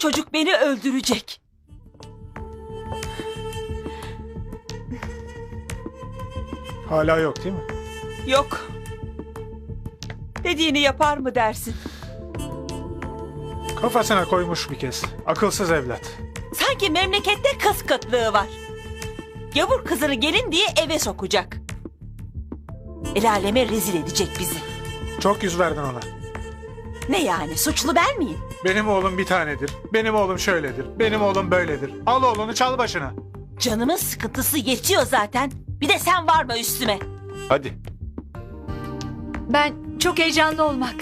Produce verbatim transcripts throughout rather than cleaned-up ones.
çocuk beni öldürecek. Hala yok değil mi? Yok. Dediğini yapar mı dersin? Kafasına koymuş bir kez. Akılsız evlat. Sanki memlekette kız kıtlığı var. Gavur kızını gelin diye eve sokacak. El aleme rezil edecek bizi. Çok yüz verdin ona. Ne yani, suçlu ben miyim? Benim oğlum bir tanedir. Benim oğlum şöyledir. Benim oğlum böyledir. Al oğlunu çal başına. Canımın sıkıntısı yetiyor zaten. Bir de sen varma üstüme. Hadi. Ben çok heyecanlı olmak.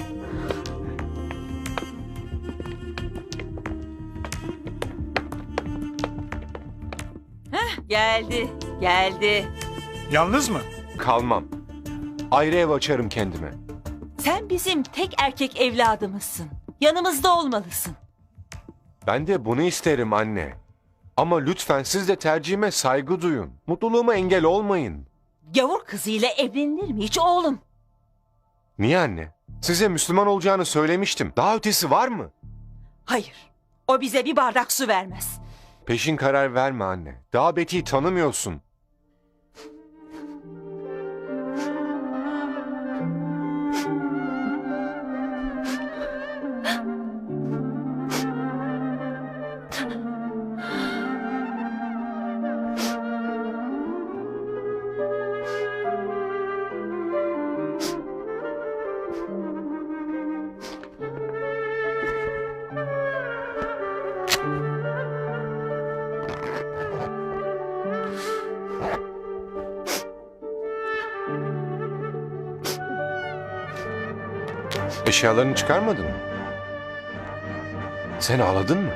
Geldi, geldi. Yalnız mı? Kalmam. Ayrı ev açarım kendime. Sen bizim tek erkek evladımızsın. Yanımızda olmalısın. Ben de bunu isterim anne. Ama lütfen siz de tercihime saygı duyun. Mutluluğuma engel olmayın. Gavur kızıyla evlenilir mi hiç oğlum? Niye anne? Size Müslüman olacağını söylemiştim. Daha ötesi var mı? Hayır, o bize bir bardak su vermez. Peşin karar verme anne. Daha Betty'yi tanımıyorsun. Eşyalarını çıkarmadın mı? Sen ağladın mı?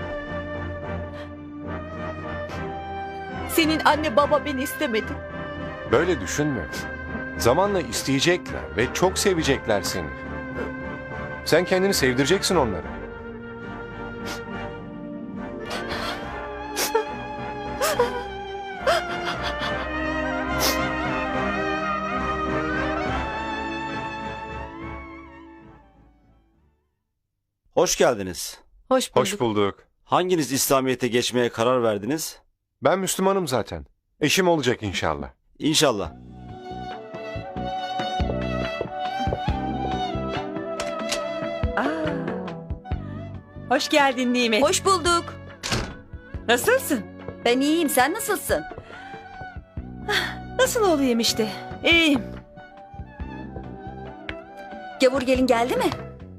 Senin anne baba beni istemedi. Böyle düşünme. Zamanla isteyecekler ve çok sevecekler seni. Sen kendini sevdireceksin onlara. Hoş geldiniz. Hoş bulduk. Hoş bulduk. Hanginiz İslamiyet'e geçmeye karar verdiniz? Ben Müslümanım zaten. Eşim olacak inşallah. İnşallah. Aa, hoş geldin Nimet. Hoş bulduk. Nasılsın? Ben iyiyim. Sen nasılsın? Nasıl olayım işte? İyiyim. Gavur gelin geldi mi?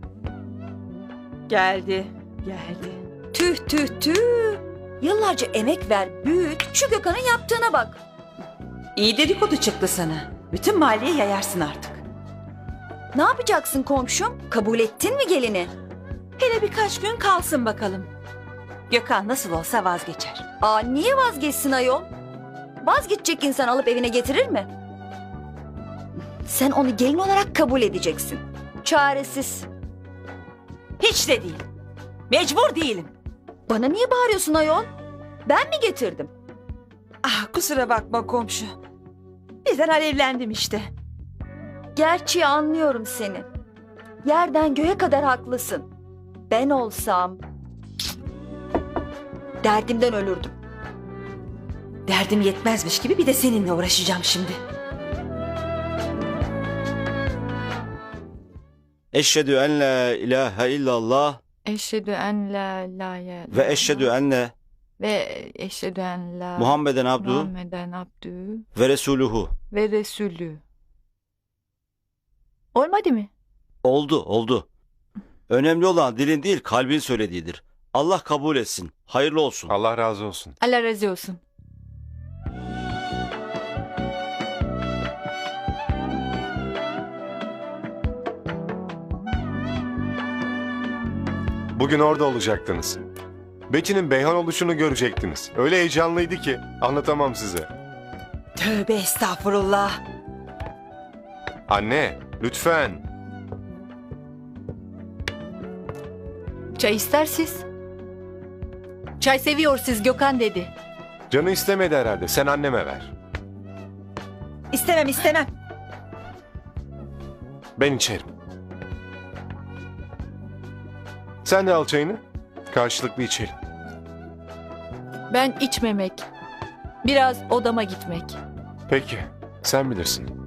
Geldi, geldi. Tüh tüh tüh. Yıllarca emek ver, büyüt. Şu Gökhan'ın yaptığına bak. İyi dedikodu çıktı sana. Bütün mahalleye yayarsın artık. Ne yapacaksın komşum? Kabul ettin mi gelini? Hele birkaç gün kalsın bakalım. Gökhan nasıl olsa vazgeçer. Aa niye vazgeçsin ayol? Vazgeçecek insan alıp evine getirir mi? Sen onu gelin olarak kabul edeceksin. Çaresiz. Hiç de değil. Mecbur değilim. Bana niye bağırıyorsun ayol? Ben mi getirdim? Ah kusura bakma komşu. Bizden alevlendim işte. Gerçi anlıyorum seni. Yerden göğe kadar haklısın. Ben olsam derdimden ölürdüm. Derdim yetmezmiş gibi bir de seninle uğraşacağım şimdi. Eşhedü en la ilahe illallah Eşhedü en la ilahe ve eşhedü enne ve eşhedü en la Muhammeden abdu Muhammeden abdü ve resuluhu. ve resulü. Olmadı mı? Oldu, oldu. Önemli olan dilin değil, kalbin söylediğidir. Allah kabul etsin. Hayırlı olsun. Allah razı olsun. Allah razı olsun. Bugün orada olacaktınız. Betty'nin Beyhan oluşunu görecektiniz. Öyle heyecanlıydı ki anlatamam size. Tövbe estağfurullah. Anne, lütfen. Çay istersiz. Çay seviyorsunuz Gökhan dedi. Canı istemedi herhalde. Sen anneme ver. İstemem istemem. Ben içerim. Sen de al çayını. Karşılıklı içelim. Ben içmemek. Biraz odama gitmek. Peki, sen bilirsin.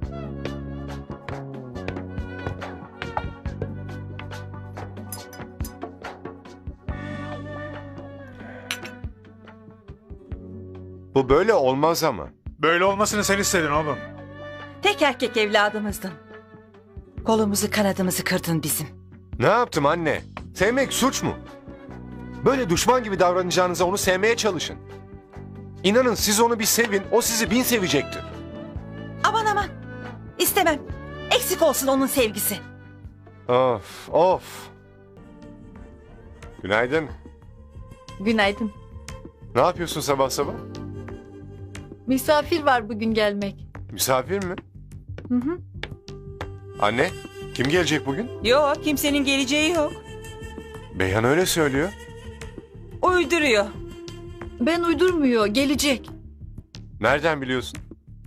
Bu böyle olmaz ama. Böyle olmasını sen istedin oğlum. Tek erkek evladımızdın. Kolumuzu kanadımızı kırdın bizim. Ne yaptım anne? Sevmek suç mu? Böyle düşman gibi davranacağınıza onu sevmeye çalışın. İnanın siz onu bir sevin, o sizi bin sevecektir. Aman aman. İstemem. Eksik olsun onun sevgisi. Of, of. Günaydın. Günaydın. Ne yapıyorsun sabah sabah? Misafir var bugün gelmek. Misafir mi? Hı hı. Anne, kim gelecek bugün? Yok, kimsenin geleceği yok. Beyhan öyle söylüyor. Uyduruyor. Ben uydurmuyor, gelecek. Nereden biliyorsun?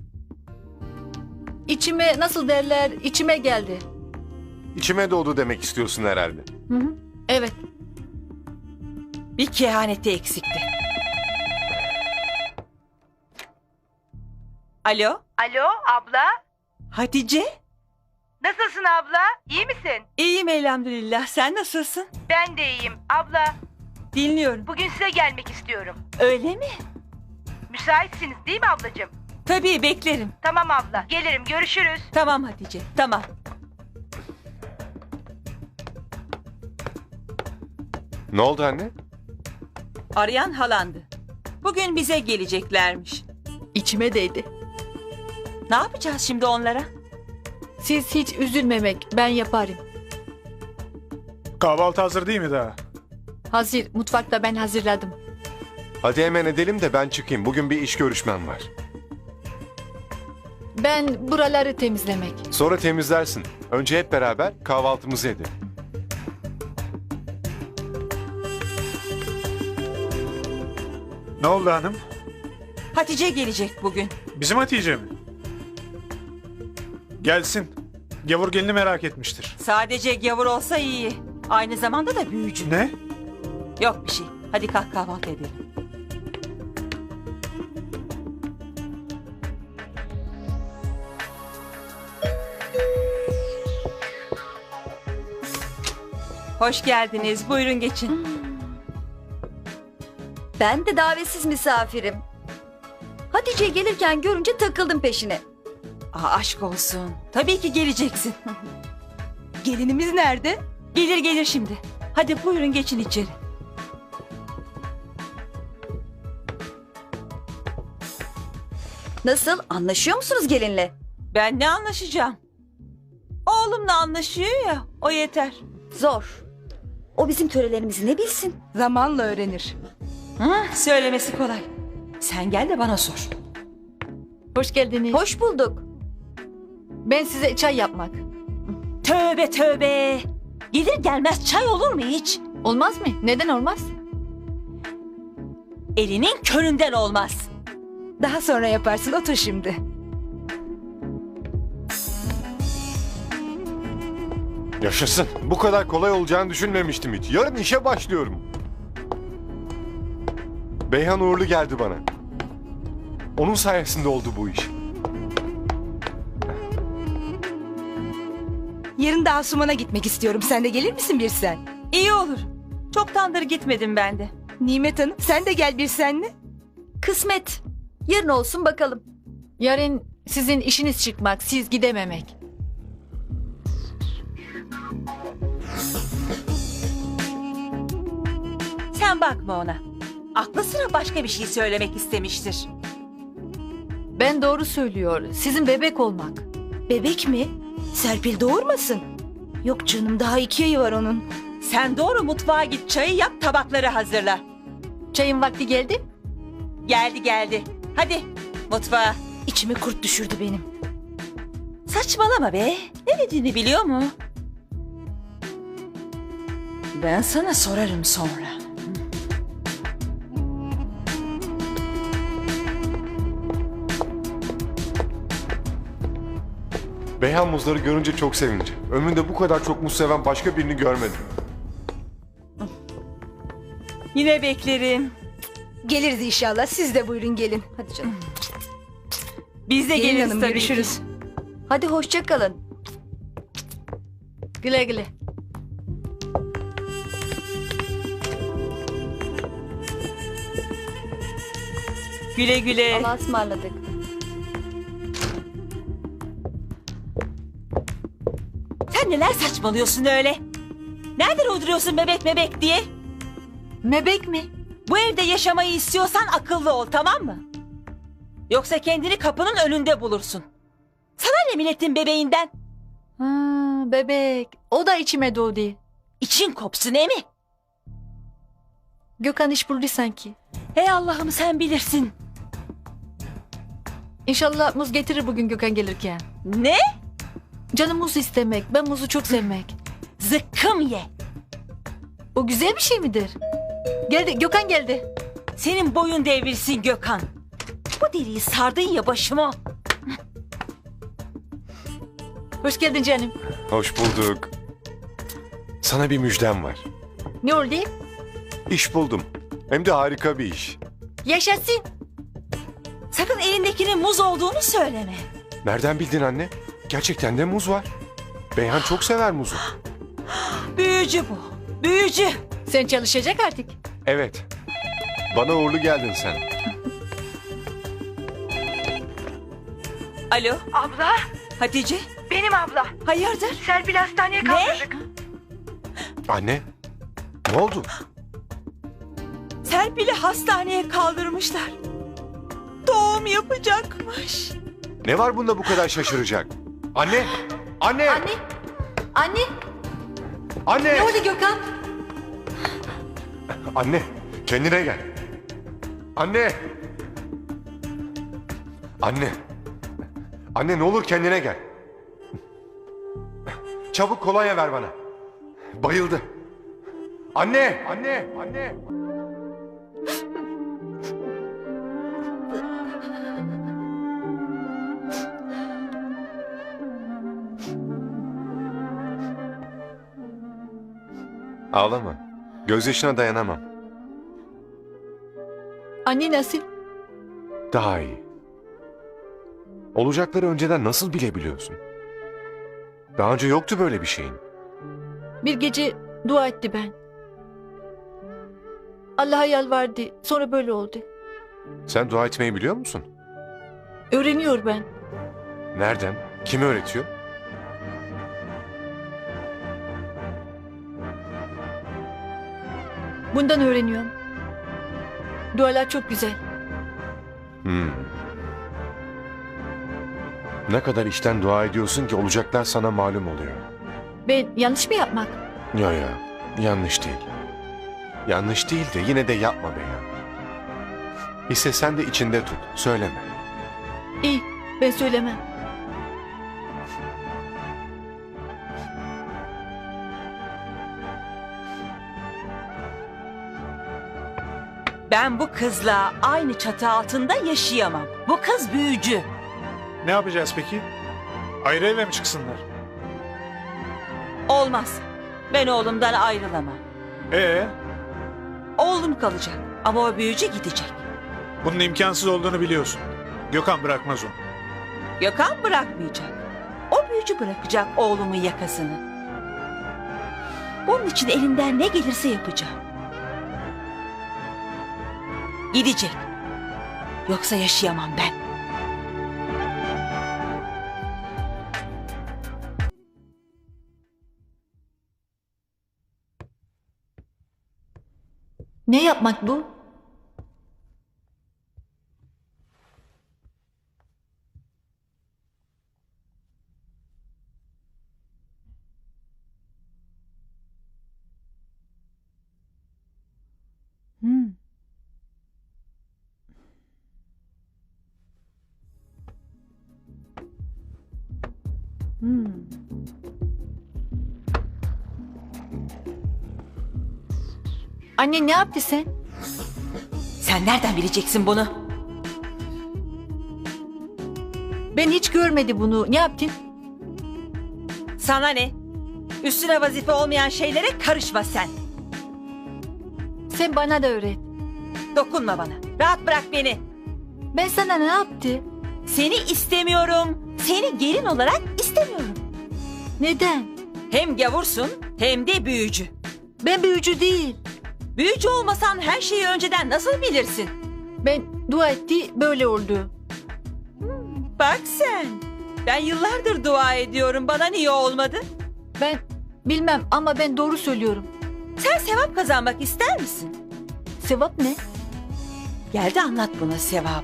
İçime nasıl derler, içime geldi. İçime doğdu demek istiyorsun herhalde. Hı hı. Evet. Bir kehaneti eksikti. Alo, Alo abla. Hatice. Nasılsın abla? İyi misin? İyiyim elhamdülillah. Sen nasılsın? Ben de iyiyim. Abla Dinliyorum. bugün size gelmek istiyorum. Öyle mi? Müsaitsiniz değil mi ablacığım? Tabii beklerim. Tamam abla. Gelirim, görüşürüz. Tamam Hatice, tamam. Ne oldu anne? Arayan halandı. Bugün bize geleceklermiş. İçime değdi. Ne yapacağız şimdi onlara? Siz hiç üzülmemek, ben yaparım. Kahvaltı hazır değil mi daha? Hazır, mutfakta ben hazırladım. Hadi hemen edelim de ben çıkayım. Bugün bir iş görüşmem var. Ben buraları temizlemek. Sonra temizlersin. Önce hep beraber kahvaltımızı edelim. Ne oldu hanım? Hatice gelecek bugün. Bizim Hatice mi? Gelsin. Gavur gelini merak etmiştir. Sadece gavur olsa iyi. Aynı zamanda da büyücü. Ne? Yok bir şey. Hadi kalk kahvaltı edelim. Hoş geldiniz. Buyurun geçin. Ben de davetsiz misafirim. Hatice gelirken görünce takıldım peşine. Aa, aşk olsun. Tabii ki geleceksin. Gelinimiz nerede? Gelir gelir şimdi. Hadi buyurun geçin içeri. Nasıl? Anlaşıyor musunuz gelinle? Ben ne anlaşacağım? Oğlumla anlaşıyor ya. O yeter. Zor. O bizim törelerimizi ne bilsin? Zamanla öğrenir. Hı, söylemesi kolay. Sen gel de bana sor. Hoş geldiniz. Hoş bulduk. Ben size çay yapmak. Tövbe tövbe. Gelir gelmez çay olur mu hiç? Olmaz mı? Neden olmaz? Elinin köründen olmaz. Daha sonra yaparsın, otur şimdi. Yaşasın. Bu kadar kolay olacağını düşünmemiştim hiç. Yarın işe başlıyorum. Beyhan uğurlu geldi bana. Onun sayesinde oldu bu iş. Yarın da Asuman'a gitmek istiyorum. Sen de gelir misin bir sen? İyi olur. Çoktandır gitmedim ben de. Nimet Hanım, sen de gel bir senle. Kısmet. Yarın olsun bakalım. Yarın sizin işiniz çıkmak, siz gidememek. Sen bakma ona. Aklı sıra başka bir şey söylemek istemiştir. Ben doğru söylüyor. Sizin bebek olmak. Bebek mi? Serpil doğurmasın. Yok canım, daha iki ayı var onun. Sen doğru mutfağa git, çayı yap, tabakları hazırla. Çayın vakti geldi. Geldi geldi. Hadi mutfağa. İçime kurt düşürdü benim. Saçmalama be. Ne dediğini biliyor mu? Ben sana sorarım sonra. Beyhan muzları görünce çok sevinci. Ömrümde bu kadar çok muz seven başka birini görmedim. Yine beklerim. Geliriz inşallah. Siz de buyurun gelin. Hadi canım. Biz de Gelin geliriz hanım, tabii görüşürüz. ki. Hadi hoşça kalın. Güle güle. Güle güle. Allah'a ısmarladık. Sen neler saçmalıyorsun öyle? Nereden uyduruyorsun bebek bebek diye? Mebek mi? Bu evde yaşamayı istiyorsan akıllı ol, tamam mı? Yoksa kendini kapının önünde bulursun. Sana ne milletin bebeğinden? Ha, bebek. O da içime doğdu. İçin kopsun emi. Gökhan iş buldu sanki. Hey Allah'ım sen bilirsin. İnşallah muz getirir bugün Gökhan gelirken. Ne? Canım muz istemek. Ben muzu çok sevmek. Zıkkım ye. O güzel bir şey midir? Geldi. Gökhan geldi. Senin boyun devrilsin Gökhan. Bu deliği sardın ya başıma. Hoş geldin canım. Hoş bulduk. Sana bir müjdem var. Ne oldu? İş buldum. Hem de harika bir iş. Yaşasın. Sakın elindekinin muz olduğunu söyleme. Nereden bildin anne? Gerçekten de muz var. Beyhan çok sever muzu. Büyücü bu. Büyücü. Sen çalışacak artık. Evet. Bana uğurlu geldin sen. Alo Abla, Hatice. benim abla. Hayırdır? Serpil hastaneye kaldırdık. Anne. Ne oldu? Serpil'i hastaneye kaldırmışlar. Doğum yapacakmış. Ne var bunda bu kadar şaşıracak? Anne! Anne! Anne. Anne. Anne! Ne oldu Gökhan? Anne! Kendine gel. Anne! Anne! Anne ne olur kendine gel. Çabuk kolonya ver bana. Bayıldı. Anne! Anne! Anne! Ağlama. Gözyaşına dayanamam. Anne nasıl? Daha iyi. Olacakları önceden nasıl bilebiliyorsun? Daha önce yoktu böyle bir şeyin. Bir gece dua etti ben. Allah'a yalvardı. Sonra böyle oldu. Sen dua etmeyi biliyor musun? Öğreniyor ben. Nereden? Kim öğretiyor? Bundan öğreniyorum. Dualar çok güzel. Hmm. Ne kadar içten dua ediyorsun ki olacaklar sana malum oluyor. Ben yanlış mı yapmak? Ya ya, yanlış değil. Yanlış değil de yine de yapma be ya. Hisse sen de içinde tut, söyleme. İyi, ben söylemem. Ben bu kızla aynı çatı altında yaşayamam. Bu kız büyücü. Ne yapacağız peki? Ayrı eve mi çıksınlar? Olmaz. Ben oğlumdan ayrılamam. Ee, Oğlum kalacak ama o büyücü gidecek. bunun imkansız olduğunu biliyorsun. Gökhan bırakmaz onu. Gökhan bırakmayacak. O büyücü bırakacak oğlumun yakasını. Bunun için elinden ne gelirse yapacağım. Gidecek. Yoksa yaşayamam ben. Ne yapmak bu? Hmm. Hmm. Anne ne yaptı sen? Sen nereden bileceksin bunu? Ben hiç görmedi bunu. Ne yaptın? Sana ne? Üstüne vazife olmayan şeylere karışma sen. Sen bana da öğret. Dokunma bana. Rahat bırak beni. Ben sana ne yaptı? Seni istemiyorum. Seni gelin olarak istemiyorum. Neden? Hem gavursun hem de büyücü. Ben büyücü değil. Büyücü olmasan her şeyi önceden nasıl bilirsin? Ben dua etti böyle oldu. Bak sen. Ben yıllardır dua ediyorum. Bana niye olmadı? Ben bilmem ama ben doğru söylüyorum. Sen sevap kazanmak ister misin? Sevap ne? Gel de anlat buna sevabı.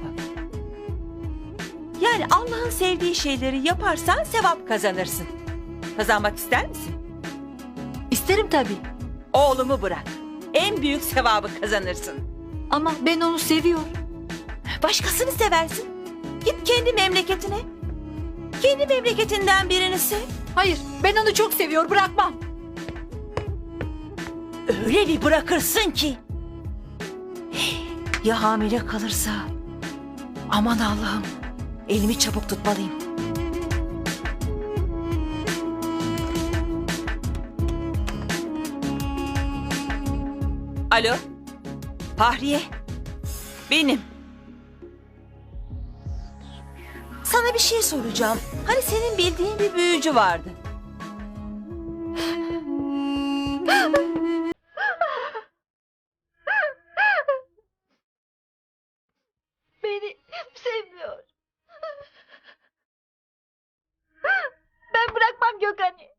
Yani Allah'ın sevdiği şeyleri yaparsan sevap kazanırsın. Kazanmak ister misin? İsterim tabii. Oğlumu bırak. En büyük sevabı kazanırsın. Ama ben onu seviyorum. Başkasını seversin. Git kendi memleketine. Kendi memleketinden birini sev. Hayır, ben onu çok seviyor, bırakmam. Öyle bir bırakırsın ki. Ya hamile kalırsa? Aman Allah'ım. Elimi çabuk tutmalıyım. Alo. Fahriye. Benim. Sana bir şey soracağım. Hani senin bildiğin bir büyücü vardı. Beni sevmiyor. Ben bırakmam Gökhan'ı.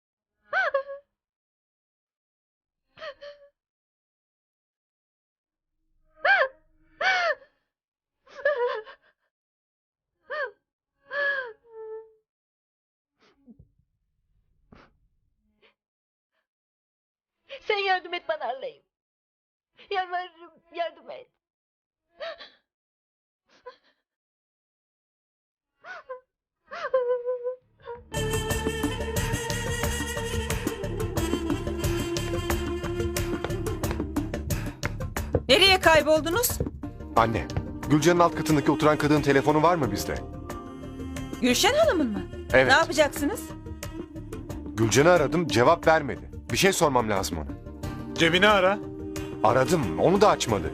Sen yardım et bana Allah'ım. Yalvarırım, yardım et. Nereye kayboldunuz? Anne, Gülcan'ın alt katındaki oturan kadının telefonu var mı bizde? Gülşen Hanım'ın mı? Evet. Ne yapacaksınız? Gülcan'ı aradım, cevap vermedi. Bir şey sormam lazım ona. Cebini ara. Aradım, onu da açmadı.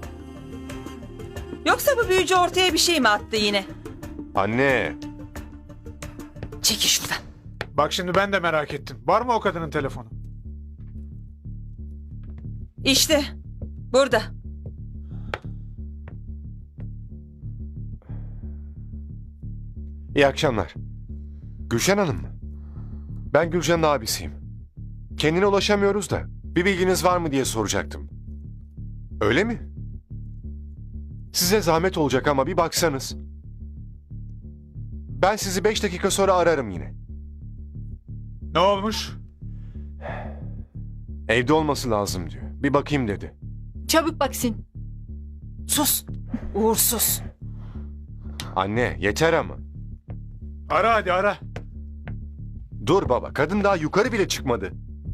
Yoksa bu büyücü ortaya bir şey mi attı yine? Anne, Çekil şuradan. Bak şimdi ben de merak ettim. Var mı o kadının telefonu? İşte burada. iyi akşamlar. Gülşen Hanım mı? Ben Gülcan'ın abisiyim. Kendine ulaşamıyoruz da bir bilginiz var mı diye soracaktım. Öyle mi? Size zahmet olacak ama bir baksanız. Ben sizi beş dakika sonra ararım yine. Ne olmuş? Evde olması lazım diyor. Bir bakayım dedi. Çabuk baksın. Sus. Uğursuz. Anne yeter ama. Ara hadi ara. Dur baba, kadın daha yukarı bile çıkmadı.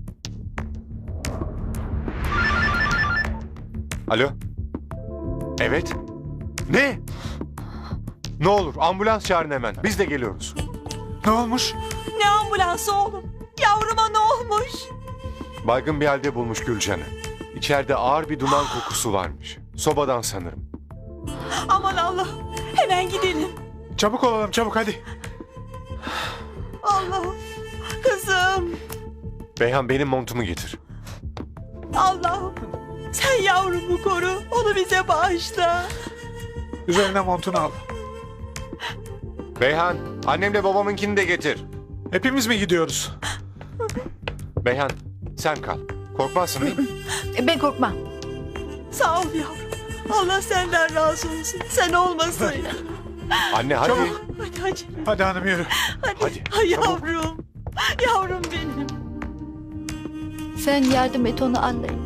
Alo? Evet? Ne? Ne olur ambulans çağırın hemen. Biz de geliyoruz. Ne olmuş? Ne ambulansı oğlum? Yavruma ne olmuş? Baygın bir halde bulmuş Gülcan'ı. İçeride ağır bir duman kokusu varmış. Sobadan sanırım. Aman Allah. Hemen gidelim. Çabuk olalım çabuk hadi. Allah'ım. Kızım. Beyhan benim montumu getir. Allah'ım. Sen yavrumu koru. Onu bize bağışla. Üzerine montunu al. Beyhan annemle babamınkini de getir. Hepimiz mi gidiyoruz? Beyhan sen kal. Korkmazsın değil mi? E, Ben korkmam. Sağ ol yavrum. Allah senden razı olsun. Sen olmasaydın. Anne hadi. Çabuk. Hadi hadi. Hadi hanım yürü. Hadi. Hadi, Ay çabuk. yavrum. Yavrum benim. Sen yardım et onu anlayın.